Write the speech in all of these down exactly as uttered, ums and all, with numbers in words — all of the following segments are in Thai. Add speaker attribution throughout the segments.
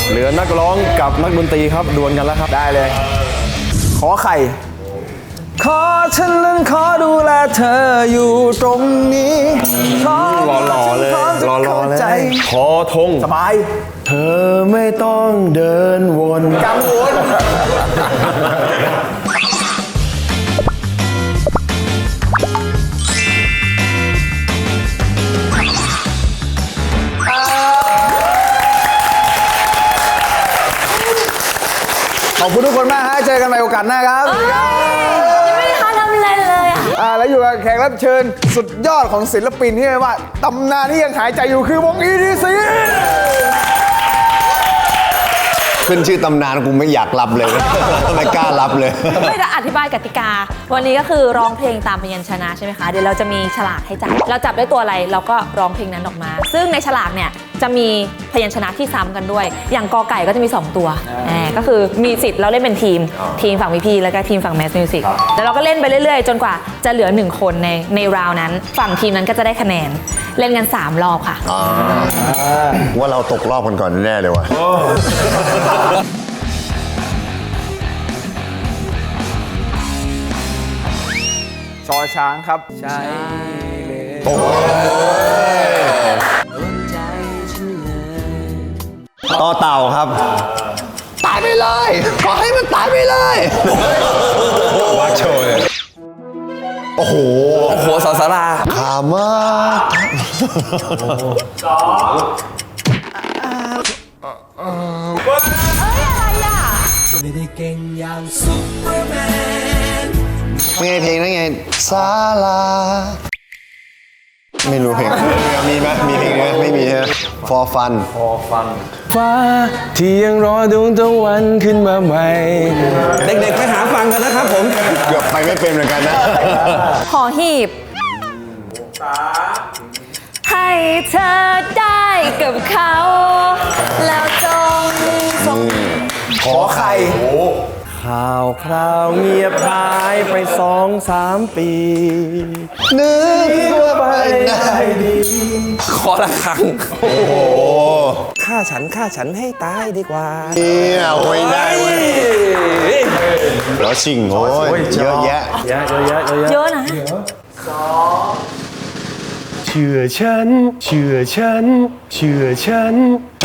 Speaker 1: เหลือนักร้องกับนักดนตรีครับดวลกันแล้วครับ
Speaker 2: ได้เลยขอไข่ขอฉันนั้นขอดูแลเธออยู่ตรงนี้
Speaker 1: หล่อๆเลยหล่อๆเลยขอธง
Speaker 2: สบาย
Speaker 1: เธอไม่ต้องเดินวน
Speaker 2: กังวลขอบคุณทุกคนมากฮะเจอกันใหม่โอกาสหน้าครับ
Speaker 3: ยังไม่ได้ทำอะไรเลยอ่ะ
Speaker 2: อ่าแล้วอยู่กับแขกรับเชิญสุดยอดของศิลปินที่เรียกว่าตำนานที่ยังหายใจอยู่คือวง อี ที ซี
Speaker 4: ขึ้นชื่อตำนานกูไม่อยากรับเลย ไม่กล้ารับเลย
Speaker 3: ไม่จะอธิบายกติกาวันนี้ก็คือร้องเพลงตามพยัญชนะใช่ไหมคะเดี๋ยวเราจะมีฉลากให้จับเราจับได้ตัวอะไรเราก็ร้องเพลงนั้นออกมาซึ่งในฉลากเนี่ยจะมีพยัญชนะที่ซ้ำกันด้วยอย่างกอไก่ก็จะมีสองตัวแหมก็คือมีสิทธิ์เราเล่นเป็นทีมทีมฝั่งพีพีแล้วก็ทีมฝั่งแมสมิวสิกแล้วเราก็เล่นไปเรื่อยๆจนกว่าจะเหลือหนึ่งคนในในราวนั้นฝั่งทีมนั้นก็จะได้คะแนนเล่นกันสามรอบค่ะ
Speaker 4: ว่าเราตกรอบกันก่อนแน่เลยว่ะ
Speaker 2: ชอช้างครับใช่เลย
Speaker 4: โอ้ต่อเต่าครับตายไปเลยขอให้มันตายไปเลยวัดโชว์เลยโอ้โห
Speaker 2: โอ้โหสอสารา
Speaker 4: ขามาก
Speaker 3: สองเอ้ยอะไรอ่ะไม่ได้เก่งอย่างซุปเปอร์แม
Speaker 4: นไงเพลงนั่นไงศาลาไม่รู้เพลงมีไหมมีเพลงไหมไม่มีฮะ for fun
Speaker 1: for fun ฟ้าที่ยังรอดวงตะวันขึ้นมาใหม่เด็กๆไปหาฟังกันนะครับผม
Speaker 4: เกือบไปไม่เป็นเหมือนกันนะ
Speaker 3: หอหีบให้เธอได้กับเขาแล้วจงส่ง
Speaker 2: ขอไข่
Speaker 1: ข่าวคราวเงียบหายไปสองสามปี
Speaker 4: นึกว่าไปได้ดี
Speaker 1: ขอละครั้ง
Speaker 4: โอ้โห
Speaker 1: ฆ่าฉันฆ่าฉันให้ตายดีกว่า
Speaker 4: เนี่ยโอ้ยได้เว้ยแล้วชิงโอ้ยเยอะแยะ
Speaker 1: เยอะเยอะเยอะ
Speaker 3: เยอะนะ
Speaker 1: สองเชื่อฉันเชื่อฉันเชื่อฉัน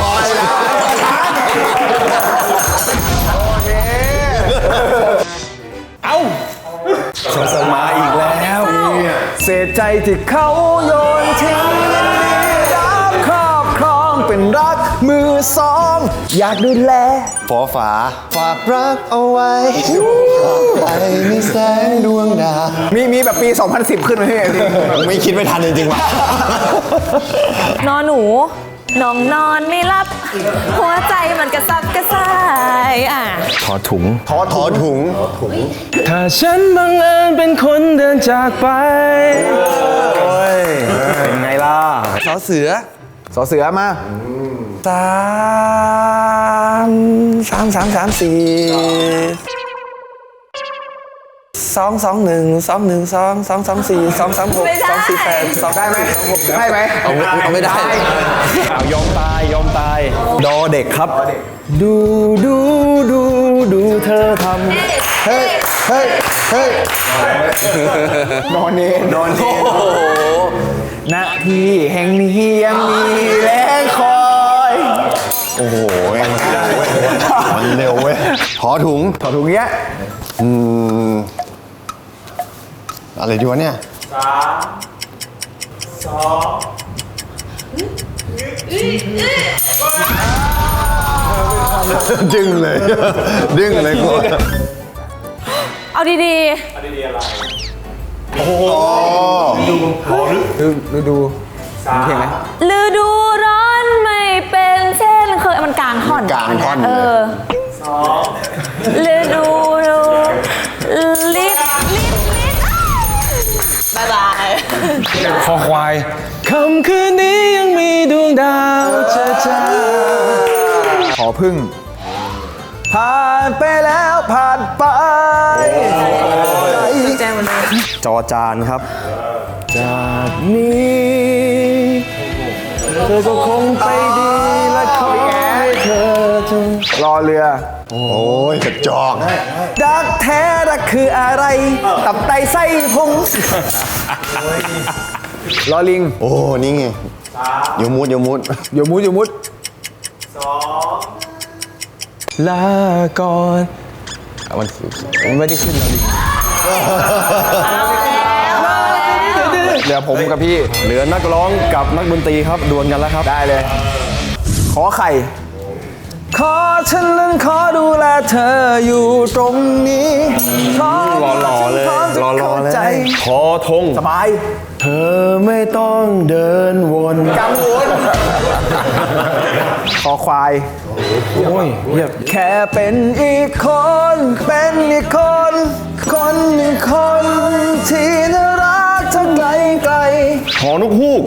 Speaker 1: เอาสงสารมาอีกแล้ว
Speaker 2: เสียใจที่เขาโยนทิ้งรักครอบครองเป็นรักมือสองอยากดูแล
Speaker 4: ฝอฝาฝากรักเอาไว้ไปในแสงดวงดาว
Speaker 2: มีมีแบบปีสองพันสิบขึ้นมาให้จริง
Speaker 4: ไม่คิดไม่ทันจริงๆว่ะ
Speaker 3: นอนหนูน้องนอนไม่รับหัวใจมันกระซับกระส่ายอ่ะ
Speaker 1: ถอดถุง
Speaker 4: ถอดถอดถุง
Speaker 1: ถ้าฉันบังเอิญเป็นคนเดินจากไปโอ้ยเป็นไงล่ะสอเสือ
Speaker 2: สอเสือมา
Speaker 1: สามสามสามสามสี่สองสองหนึ่งสองหนึ่งสองสองสองสี่สองสามหกสองสี่แปดสอง
Speaker 2: ได้ไหมได้ไหม
Speaker 1: เอาไม่ได้ยอมตายยอมตายดอเด็กครับดูดูดูดูเธอทำ
Speaker 2: เฮ้ยเฮ้ยเฮ้ยนอนเนนอนเนณที่แห่งนี้ยังมีแรงคอย
Speaker 4: โอ้โหมันเร็วเว้ยถอถุง
Speaker 2: ถอถุงเงี้ย
Speaker 4: อืมอะไรดีวะเนี่ย
Speaker 2: สามสอง
Speaker 4: ดึงเลยดึงเลยกู
Speaker 3: เอาดี
Speaker 2: ๆเอาดีๆอะไรโอ้โหดูดูดูดูเห็นไหม
Speaker 3: ฤดูร้อนไม่เป็นเช่นเคยมันกลางท่อน
Speaker 4: กลางท่อน
Speaker 3: เออ
Speaker 2: สอง
Speaker 3: ฤดูลิบลิบลิบบายบาย
Speaker 1: คอควายคำคืนนี้ยังมีดวงดาวจะจ้า
Speaker 2: ขอพึ่งผ่านไปแล้วผ่านไป
Speaker 1: จอจานครับจากนี้เธอก็คงไปดีและขอให้เธอเธ
Speaker 2: รอเรือ
Speaker 4: โอ้ยกระจอก
Speaker 2: รักแท้รักคืออะไร ตับไตไส้พุงรอลิง
Speaker 4: โอ้ นี่ไงโยมุดโยมุด
Speaker 2: โยมุดโยมุด
Speaker 1: ลาก่อนมันมันไม่ได้ขึ้นแล้วดิ
Speaker 2: เหลือผมกับพี่
Speaker 1: เหลือนักร้องกับนักดนตรีครับดวลกันแล้วครับ
Speaker 2: ได้เลย ขอไข่ ขอฉันนั้นขอดูแลเธออยู่ตรงนี้พร้อม
Speaker 1: รอๆเลย
Speaker 2: พร้อมจะ
Speaker 1: รอๆ
Speaker 2: เข้า
Speaker 1: เลย
Speaker 2: ใจ
Speaker 1: ขอธง
Speaker 2: สบาย
Speaker 1: เธอไม่ต้องเดินวน
Speaker 2: กังวลขอควาย
Speaker 1: โอ้ยเยียบ
Speaker 2: แค่เป็นอีกคน เป็นอีกคน คนหนึ่งคนที่น่ารักเท่าไกลไกล
Speaker 1: หอนกฮูก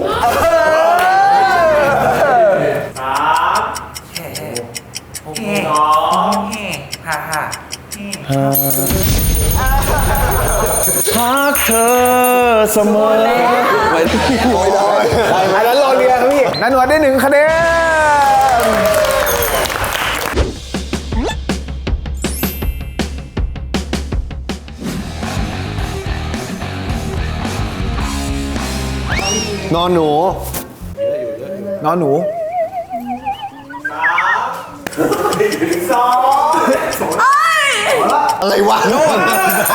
Speaker 1: พักเธอเสมอ
Speaker 2: อันนั้นรอเรือครับพี่นันหนวดได้หนึ่งคะแนน
Speaker 4: นอนหนู
Speaker 2: นอนหนู
Speaker 4: อะไรวะโน่น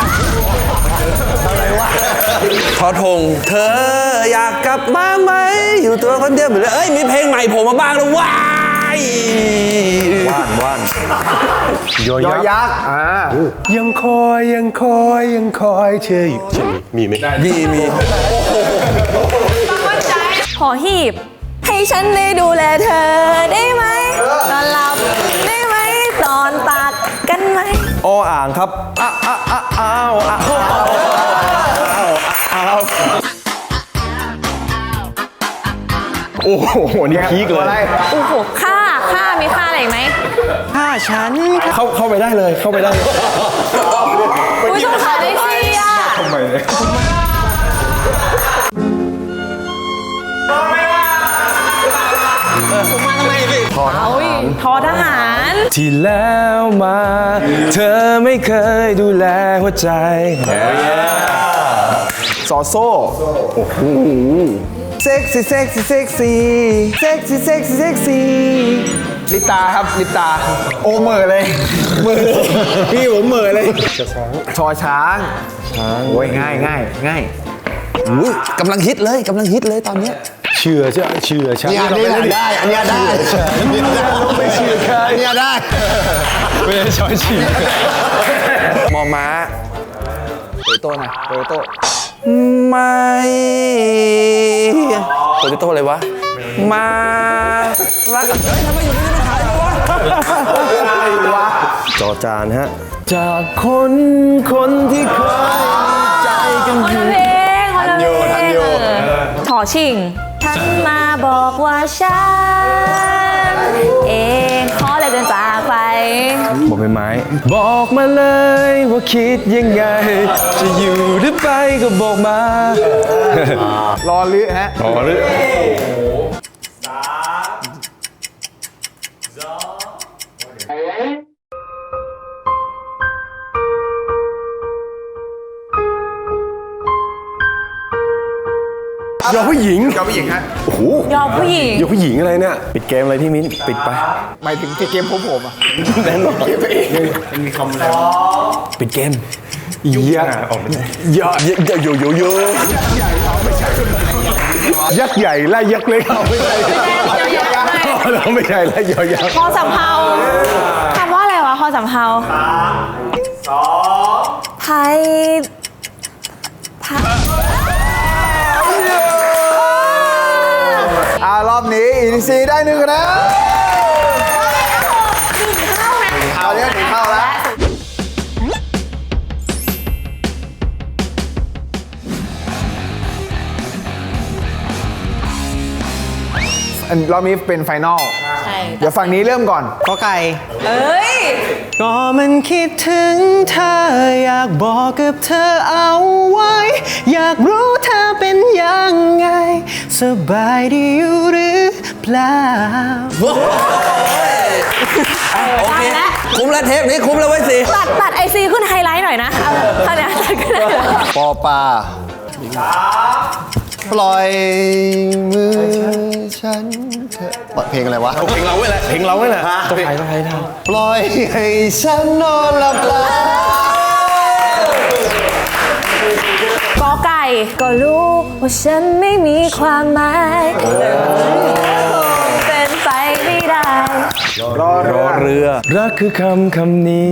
Speaker 5: ทอทงเธออยากกลับบ้านไหม อยู่ตัวคนเดียวเหมือนเดิมเอ้ย มีเพลงใหม่โผมมาบ้างแล้วว้าย
Speaker 1: ว่านว่านยอย
Speaker 2: ยอ
Speaker 1: ยักษ์
Speaker 2: ยักษ์อ่า
Speaker 1: ยังคอยยังคอยยังคอยเธออยู่ใช่มีไหม
Speaker 5: มีมี
Speaker 3: ขอหีบ ให้ฉันได้ดูแลเธอได้ไหมนอนหลับได้ไหมตอนตักกันไหม
Speaker 1: ออ่างครับอ้าอ้าอ้าอ้าวอ้าวอ้าวโอ้โหนี่พีคเล
Speaker 2: อะไร
Speaker 1: ย
Speaker 3: โอ้โหค่าค่ามีค่าอะไรอีกไหม
Speaker 1: เข้าเข้าไปได้เลยเข้าไปได้เลย
Speaker 3: อุ้ยสงสารไอซีอ่ะ
Speaker 1: ทำไมเนี่ย
Speaker 3: เอาอีกทอทหาร
Speaker 1: ที่แล้วมา เธอไม่เคยดูแลหัวใจ
Speaker 2: ซอโซ่โอ้โหเซ็กซี่เซ็กซี่เซ็กซี่เซ็กซี่เซ็กซี่เซ็กซี่ลิปตาครับลิปตา โอเหม่อเลยเหม่อพี่ผมเหม่อเลยชอช้างช้างโอ้ยง่ายง่ายง่าย
Speaker 5: อุ๊ยกำลังฮิตเลยกำลังฮิตเลยตอนเนี้ย
Speaker 1: เชื่อเชื่อเชื่อใช่
Speaker 4: เนี่ยอันนี้ได้ อันเนี้ยได้อันเนี้ยได้ไม่เชื่อใครอันเนี้ยได้
Speaker 1: ไม่ได้ช้อยฉีก
Speaker 5: มอม้า
Speaker 2: โตโต้นะโตโต้
Speaker 5: ไม่โปรตุโต้เลยวะ มารักเฮ้ยทำไมอยู่นี่ไม่ขายเลยวะ
Speaker 1: จอจานฮะ จากคนคนที่เคยใจกัน
Speaker 3: คน
Speaker 1: อยู่
Speaker 3: ละเพลงคนละเพลงเออถอชิงฉันมาบอกว่าฉันเองขอเลยเดินจากไป
Speaker 1: บอกเป็นไม้ บอกมาเลยว่าคิดยังไง จะอยู่หรือไปก็บอกมาร
Speaker 2: อลือฮะ
Speaker 1: อ๋อหรือ ยอผู้หญิง
Speaker 2: ยอมผู้หญิงฮะ
Speaker 1: โอ้โห
Speaker 3: ยอมผู้หญิง
Speaker 1: ยอผู้หญิงอะไรเนี่ย ปิดเกมอะไรพี่มิ้น ปิดไป
Speaker 2: หมายถึงเกมผมผมอ่ะ
Speaker 1: แน่นอนมีคำแล้วปิดเกมยะยะยะโยโยโยยักษ์ใหญ่ไล่ยักษ์เล็กเอาไม่ใช่เราไม่ใช่ไล่ยอยักษ์
Speaker 3: พอสำเภาคำว่าอะไรวะพอสำเภาสามสองไทยไทย
Speaker 2: อ่ารอบนี้อินซีได้หนึ่งคะแนนเอาเนี้ยถึงเข้าแล้ว อันรอบนี้เป็นไฟนอล
Speaker 3: ใช่
Speaker 2: เดี๋ยวฝั่งนี้เริ่มก่อน
Speaker 6: ก็ไก่
Speaker 3: เอ้ย
Speaker 6: ก็มันคิดถึงเธอ อยากบอกกับเธอเอาไว้ อยากรู้เธอเป็นยังไง สบายดีอยู่หรือเปล่า
Speaker 5: เแล้วเทปนี้คุ้มแล้วไว้ยสิ
Speaker 3: ตัดตัดไอซีขึ้นไฮไลท์หน่อยนะเอาท่าเนี้ยตัดขึ้นไฮไลท์
Speaker 4: ปอปลาปล่อยมือฉันเถอะเพลงอะไรวะ
Speaker 1: เพลงเราไว้แหละเพลงเราไว้แหละต้องใครต้องใครทำ
Speaker 4: ปล่อยให้ฉันนอนหลับไหล
Speaker 3: กอไก่ก็รู้ว่าฉันไม่มีความหมายเป็นไปไม่ได้
Speaker 1: รอเรือ รักคือคำคำนี้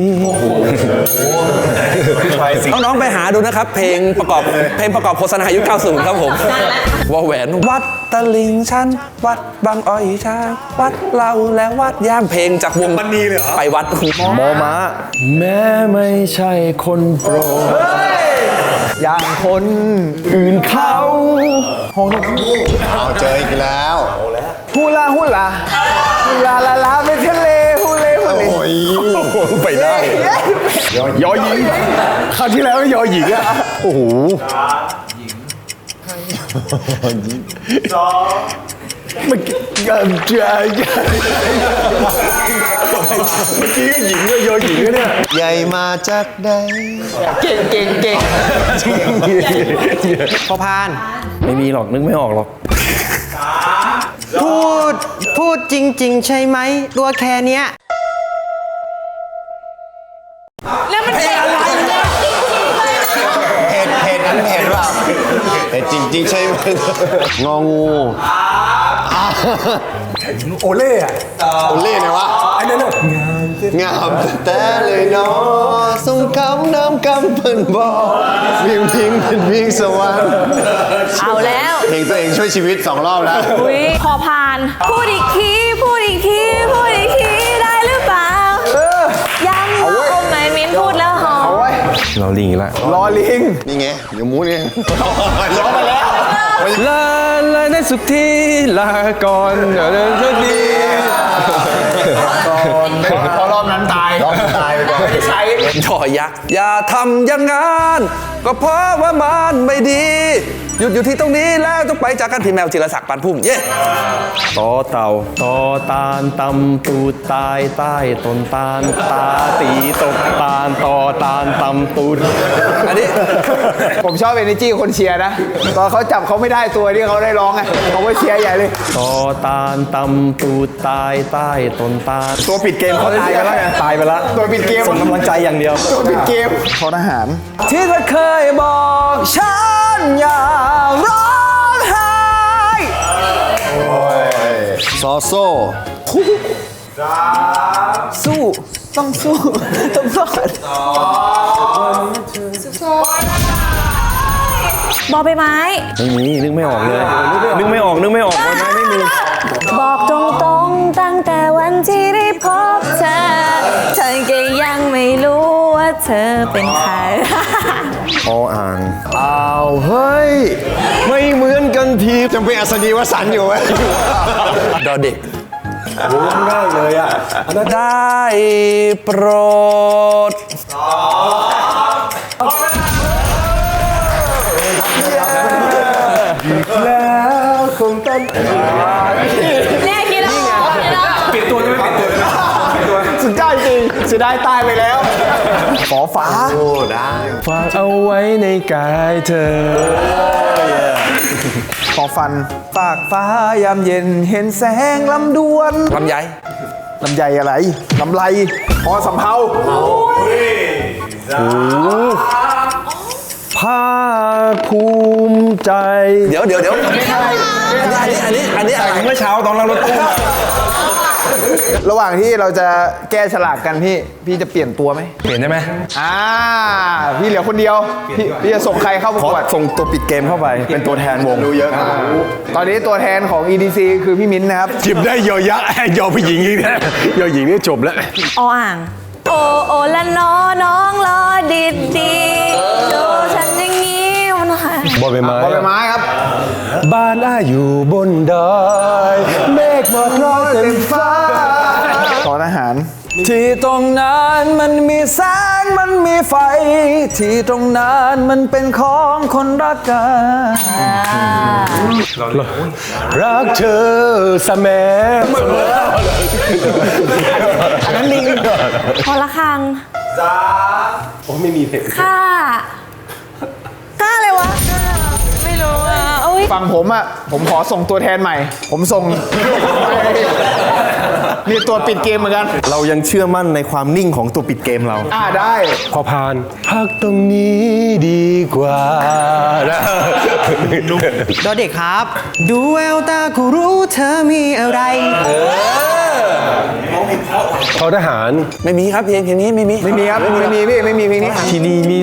Speaker 5: น้องๆไปหาดูนะครับ เพลงประกอบเพลงประกอบโฆษณายุคเก้าสิบครับผมว่าแหวนวัดตะลิงชันวัดบางอ้อยช้างวัดเราและวัดย่างเพลงจากวงมันนีเลยเหรอไปวัด
Speaker 1: มอม้า แม้ไม่ใช่คนโปรด
Speaker 2: อย่างคน
Speaker 1: อื่นเขา
Speaker 4: เอาเจออีกแล้ว
Speaker 2: ฮูลาฮูลาฮูลาลาลาไปทะเลฮูเลฮูเล
Speaker 4: โอ้ย
Speaker 1: ไปได้ยอหญิงคราวที่แล้วยอหญิงอะโอ้โหเมื่อกี้กันใจเมื่อกี้ก็หญิงก็ยอหญิงก็เนี่ย
Speaker 4: ใหญ่มาจากใด
Speaker 2: เก่งเก่งเก่ง
Speaker 6: พอพาน
Speaker 1: ไม่มีหรอกนึกไม่ออกหรอก
Speaker 6: พูด พูดจริง ๆ ใช่ไหม ตัวแค่เนี้ย
Speaker 3: แล้วมันเป็นอะไรเนี่ย
Speaker 4: เห็ดเห็ดนั้นเห็ดเปล่าเห็ดจริงๆใช่ไหมงองู
Speaker 1: โอเล่อะ
Speaker 4: โอเล่ไงวะ
Speaker 1: ไอ้นั่นน่ะ
Speaker 4: งามแต่เลยเนาะทรงคำน้ำกำเพิ่นบอกวิ่งพิงเป็นวิ่งสวรรค์
Speaker 3: เอาแล้ว
Speaker 4: เพลงตัวเองช่วยชีวิตสองรอบแล้ว
Speaker 3: อุ้ยพอพาน พูดอีกทีพูดอีกทีพูดอีกทีได้หรือเปล่าย้ำว่าโอมไมมินพูดแล้วหอม
Speaker 2: เอาไว้
Speaker 1: เราลิงอีกแล้ว
Speaker 2: รอลิง
Speaker 4: นี่ไงเดี๋ยวมูนี่ร้องไปแล้ว
Speaker 1: ลาลาในสุขที่ลาก่อนเดี๋ยวเดินสักที
Speaker 2: พอรอบนั้นตาย
Speaker 4: รอบนั้นตายไปก่อน
Speaker 2: ไม่ได้ใช้
Speaker 5: ย่อยักษ์อย่าทำอย่างงั้นก็เพราะว่ามันไม่ดี หยุดอยู่ที่ตรงนี้แล้วต้องไปจากกันพี่แมวจิรศักดิ์ปานพุ่มเย้
Speaker 1: ต่อเต่าต่อตาลตำตูดตายใต้ต้นตาลตาตีตกตาลต่อตาลตำตูด
Speaker 5: อันนี้
Speaker 2: ผมชอบเอเนจีคนเชียร์นะ ตอนเขาจับเขาไม่ได้ตัวที่เขาได้ร้องไงเขาก็เชียร์ใหญ่เลย
Speaker 1: ต่อตาลตำตูดตายใต้ต้นตาลตัวปิดเกมเขาตายไปแล้วไงตายไปแล้ว
Speaker 2: ตัวปิดเกม
Speaker 1: ส่งกำลังใจอย่างเดียว
Speaker 2: ตัวปิดเกมทอทหาร
Speaker 1: ที่เธอเคยบอกฉันอย่าร้องไห้
Speaker 4: ซอโซ่
Speaker 2: สู้ ต้องสู้ ต้องรอด
Speaker 3: บอใบไม้
Speaker 1: ไม่มีนึกไม่ออกเลย นึกไม่ออกนึกไม่ออกวันนั้นไม่มี
Speaker 3: บอกตรงๆตั้งแต่วันที่ได้พบเธอเธอก็ยังไม่รู้ว่าเธอเป็นใคร
Speaker 1: ออ่างอ้าวเฮ้ย ไม่เหมือนกันที
Speaker 4: จำเป็นอัศนีวสันต์อยู่ไหม
Speaker 5: ดอเด็ก
Speaker 1: ง่ายเลยอ่ะ
Speaker 5: ได้โปรด
Speaker 1: แล้วคงต้อง
Speaker 3: เนี่ยคิดแล้วเนาะ
Speaker 1: เปลี่ยนตัวจะไม่เปลี่ยนตัวเลยนะ
Speaker 2: สุดยอดจริงเสียดายตายไปแล้วฝอฟ้า
Speaker 4: โอ้ได้
Speaker 1: ฝากเอาไว้ในกายเธอ
Speaker 2: ฝอฟันฝากฟ้ายามเย็นเห็นแสงลำดวน
Speaker 5: ลำไย
Speaker 2: ลำไยอะไรลำไรพอสำเภา
Speaker 1: ภาคภูมิใจ
Speaker 5: เดี๋ยวเดี๋ยวเดี๋ยวอันนี้อันนี้อันนี้อะไร
Speaker 1: เมื่อเช้าตอนเรารถตู้
Speaker 2: ระหว่างที่เราจะแก้ฉลากกันพี่ พี่จะเปลี่ยนตัวไหม
Speaker 1: เปลี่ยนได้ไหม
Speaker 2: อ่า พี่เหลือคนเดียว พี่พี่จะส่งใครเข้าประ
Speaker 1: ขอก
Speaker 2: วด
Speaker 1: ส่งตัวปิดเกมเข้าไป เป็นตัวแทนวง
Speaker 4: รู้เยอะครับ
Speaker 2: ตอนนี้ตัวแทนของ อี ดี ซี คือพี่มิ้นท์นะครับ
Speaker 1: จิบได้ยอยักษ์ยอผู้หญิงอีกนะยอหญิงนี่จบแล้ว
Speaker 3: ออ่าง โอโอละน้อน้องรอดีดีดูฉันอย่างนี้มันหาย
Speaker 1: บอใบไม้
Speaker 2: บอใบไม้ครับ
Speaker 1: บ้านอ้าอยู่บนดอยเมฆหมอกลอยเต็มฟ้า
Speaker 2: ขอทหาร
Speaker 5: ที่ตรงนั้นมันมีแสงมันมีไฟ ที่ตรงนั้นมันเป็นของคนรักกัน
Speaker 1: รักเธอเสมอ
Speaker 2: อันนั้นลิง
Speaker 3: พอละครังจ้าโอ้ไม่มีเพลงค่าค่าอะไรวะค่าไม่รู้อ่ะโอ้ย
Speaker 2: ฝั่งผมอ่ะ ผมขอส่งตัวแทนใหม่ ผมส่ง นี่ตัวปิดเกมเหมือนกัน
Speaker 1: เรายังเชื่อมั่นในความนิ่งของตัวปิดเกมเรา
Speaker 2: อ่าได้
Speaker 6: พอพานพักตรงนี้ดีกว่าดอเด็กครับ ดูแววตาก็รู้เธอมีอะไรเขาทหาร
Speaker 5: ไม่มีครับเพลงเพลงนี้ไม่มี
Speaker 2: ไม่มีครับ ไม่มีพี่ ไม่มีเพลงนี้
Speaker 6: ที่นี่มี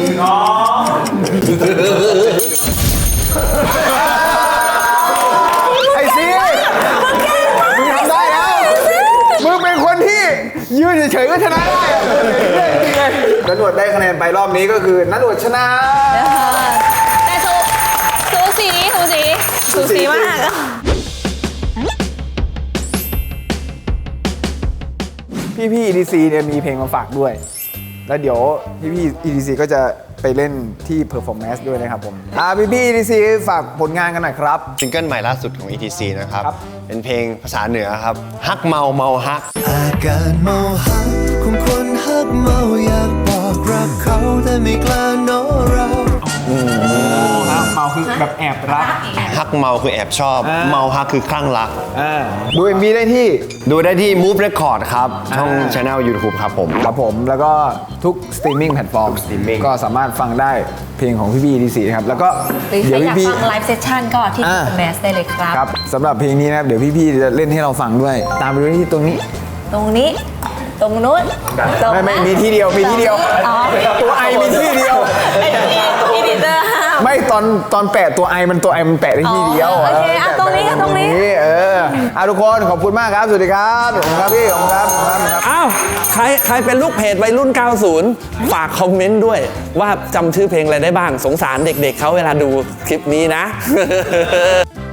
Speaker 2: ไอ้ซีมึงทำได้แล้ว มึงเป็นคนที่ยืนเฉยๆก็ชนะได้อะจริงเลยนันหนวดได้คะแนนไปรอบนี้ก็คือนันหนวดชนะ
Speaker 3: แต่สูสูสีสูสีสูสีมาก
Speaker 2: พี่พี่ อี ดี ซี เนี่ยมีเพลงมาฝากด้วย แล้วเดี๋ยวพี่พี่ อี ดี ซี ก็จะไปเล่นที่ Performance ด้วยนะครับผม อ่าพี่พี่ อี ดี ซี ฝากผลงานกันหน่อยครับ
Speaker 4: ซิงเกิลใหม่ล่าสุดของ อี ที ซี นะครับ
Speaker 2: ครับ
Speaker 4: เป็นเพลงภาษาเหนือครับ ฮักเมาเมาฮัก
Speaker 7: อาการเมาหักของคนฮักเมาอยากบอกรักเขาแต่ไม่กล้าโน้เรา
Speaker 2: เมาคือแบบแอบรัก
Speaker 4: ฮักเมาคือแอบชอบ
Speaker 2: อ่า
Speaker 4: เมาฮักคือคลั่งรัก
Speaker 2: อ่าดู เอ็ม วี ได้ที่
Speaker 4: ดูได้ที่ Move Record ครับ ช่อง Channel YouTube ครับผม
Speaker 2: ครับผมแล้วก็ทุกสตรีมมิ่งแพลตฟอร์ม
Speaker 4: streaming
Speaker 2: ก็สามารถฟังได้เพลงของพี่พี่ อี ดี ซี นะครับ แล้วก็
Speaker 3: หรือใคร
Speaker 2: เดี๋ยว
Speaker 3: อยาก
Speaker 2: พี่
Speaker 3: ฟังไลฟ์เซสชั่นก็ที่
Speaker 2: อ่า
Speaker 3: แมสได้เลยครับ
Speaker 2: ครับสำหรับเพลงนี้นะครับเดี๋ยวพี่พี่จะเล่นให้เราฟังด้วย ตามไปดูที่ตรงนี้
Speaker 3: ตรงนี้ ตรงนู้นตรง
Speaker 2: ไม่ไม่
Speaker 3: นั้น
Speaker 2: มีที่เดียวมีที่เดียว
Speaker 3: อ๋อ
Speaker 2: ตัวไอมีที่เดียว
Speaker 3: ไอ้ที่อีดิเตอร์ห้าม
Speaker 2: ไม่ตอนตอนแปะตัวไอมันตัวไอมันแปะได้ที่เดียว
Speaker 3: อ๋อโอเคอ่ะตรงนี้อ่ะตรงนี้
Speaker 2: เอออ่ะทุกคนขอบคุณมากครับสวัสดีครับขอบคุณครับพี่ขอบคุณครับขอบคุณครับ
Speaker 5: อ้าว ใครใครเป็นลูกเพจวัยรุ่น เก้าสิบ ฝากคอมเมนต์ด้วย ว่าจำชื่อเพลงอะไรได้บ้าง สงสารเด็กๆเขาเวลาดูคลิปนี้นะ